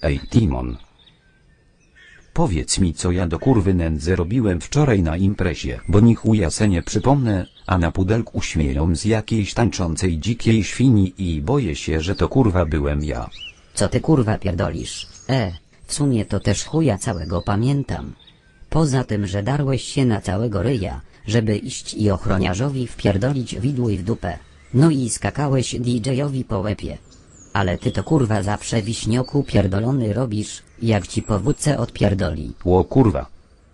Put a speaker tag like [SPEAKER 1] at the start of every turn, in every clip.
[SPEAKER 1] Ej Timon. Powiedz mi, co ja do kurwy nędzy robiłem wczoraj na imprezie, bo ni chuja se nie przypomnę, a na pudelku śmieją z jakiejś tańczącej dzikiej świni i boję się, że to kurwa byłem ja.
[SPEAKER 2] Co ty kurwa pierdolisz? W sumie to też chuja całego pamiętam. Poza tym, że darłeś się na całego ryja, żeby iść i ochroniarzowi wpierdolić widły w dupę. No i skakałeś DJ-owi po łepie. Ale ty to kurwa zawsze wiśnioku pierdolony robisz, jak ci po wódce odpierdoli.
[SPEAKER 1] Ło kurwa.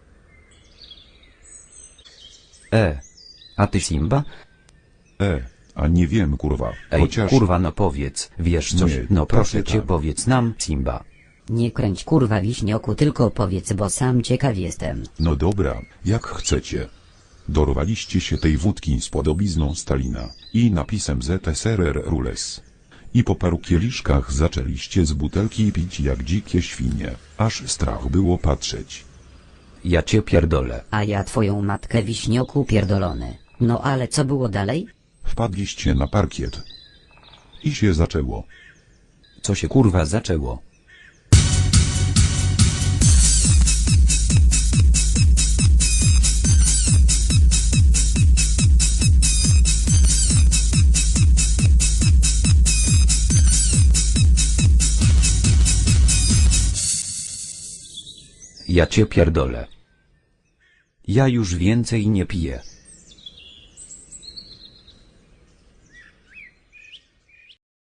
[SPEAKER 1] A ty Simba?
[SPEAKER 3] A nie wiem kurwa,
[SPEAKER 1] Ej
[SPEAKER 3] chociaż...
[SPEAKER 1] kurwa no powiedz, wiesz coś,
[SPEAKER 3] Nie,
[SPEAKER 1] no proszę
[SPEAKER 3] tak.
[SPEAKER 1] cię powiedz nam Simba.
[SPEAKER 2] Nie kręć kurwa wiśnioku, tylko powiedz, bo sam ciekaw jestem.
[SPEAKER 3] No dobra, jak chcecie. Dorwaliście się tej wódki z podobizną Stalina i napisem ZSRR Rules. I po paru kieliszkach zaczęliście z butelki pić jak dzikie świnie, aż strach było patrzeć.
[SPEAKER 1] Ja cię pierdolę.
[SPEAKER 2] A ja twoją matkę wiśnioku pierdolony. No ale co było dalej?
[SPEAKER 3] Wpadliście na parkiet. I się zaczęło.
[SPEAKER 1] Co się kurwa zaczęło? Ja cię pierdolę. Ja już więcej nie piję.